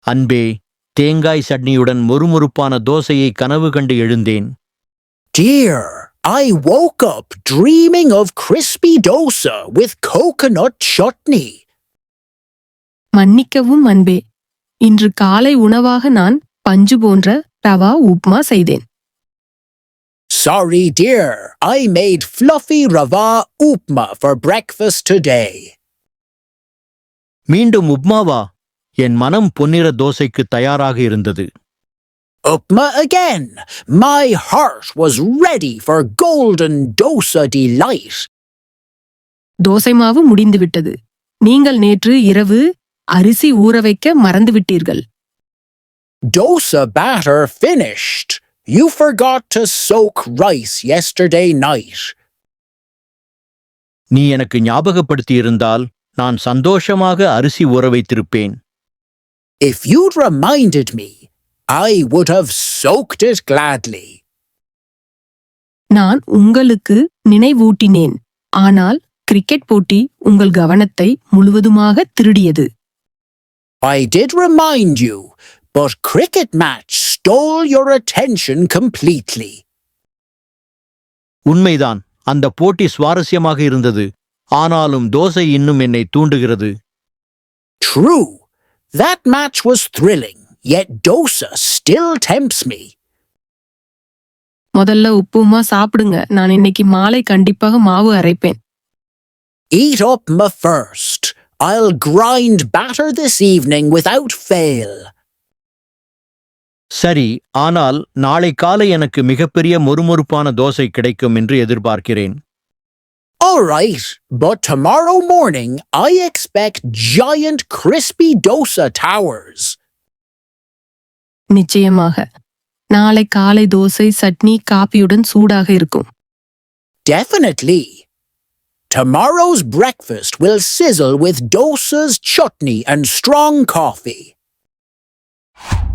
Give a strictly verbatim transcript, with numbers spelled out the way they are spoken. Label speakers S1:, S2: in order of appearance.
S1: அன்பே, தேங்காய் சட்னியுடன் மொறுமொறுப்பான தோசையை கனவு கண்டு எழுந்தேன்.
S2: Dear, I woke up dreaming of crispy dosa with coconut chutney.
S3: மன்னிக்கவும் அன்பே, இன்று காலை உணவாக நான் பஞ்சு போன்ற ரவா உப்மா செய்தேன்.
S2: Sorry dear, I made fluffy rava upma for breakfast today.
S1: மீண்டும் உப்மாவா? என் மனம் பொன்னிற தோசைக்கு தயாராக இருந்தது.
S2: Upma again. My heart was ready for golden dosa delight.
S3: Dosa மாவு முடிந்துவிட்டது. நீங்கள் நேற்று இரவு அரிசி ஊற வைக்க மறந்துவிட்டீர்கள்.
S2: Dosa batter finished. You forgot to soak rice yesterday night.
S1: நீ எனக்கு ஞாபகப்படுத்தியிருந்தால் நான் சந்தோஷமாக அரிசி ஊற வைத்திருப்பேன்.
S2: If you'd reminded me, I would have soaked it gladly.
S3: நான் உங்களுக்கு நினைவூட்டினேன், ஆனால் கிரிக்கெட் போட்டி உங்கள் கவனத்தை முழுவதுமாக திருடியது.
S2: I did remind you, but cricket match stole your attention completely.
S1: உண்மைதான், அந்த போட்டி சுவாரஸ்யமாக இருந்தது. ஆனாலும் தோசை இன்னும் என்னை தூண்டுகிறது.
S2: True, that match was thrilling, yet dosa still tempts me.
S3: முதல்ல உப்புமா சாப்பிடுங்க. நான் இன்னைக்கு மாலை கண்டிப்பாக மாவு அரைப்பேன்.
S2: Eat upma first. I'll grind batter this evening without fail.
S1: சரி, ஆனால் நாளை காலை எனக்கு மிகப்பெரிய மொறுமொறுப்பான தோசை கிடைக்கும் என்று எதிர்பார்க்கிறேன்.
S2: All right, but tomorrow morning I expect giant crispy dosa towers.
S3: நிச்சயமாக நாளை காலை தோசை சட்னி காபியுடன் சூடாக இருக்கும்.
S2: Definitely. Tomorrow's breakfast will sizzle with dosa's chutney and strong coffee.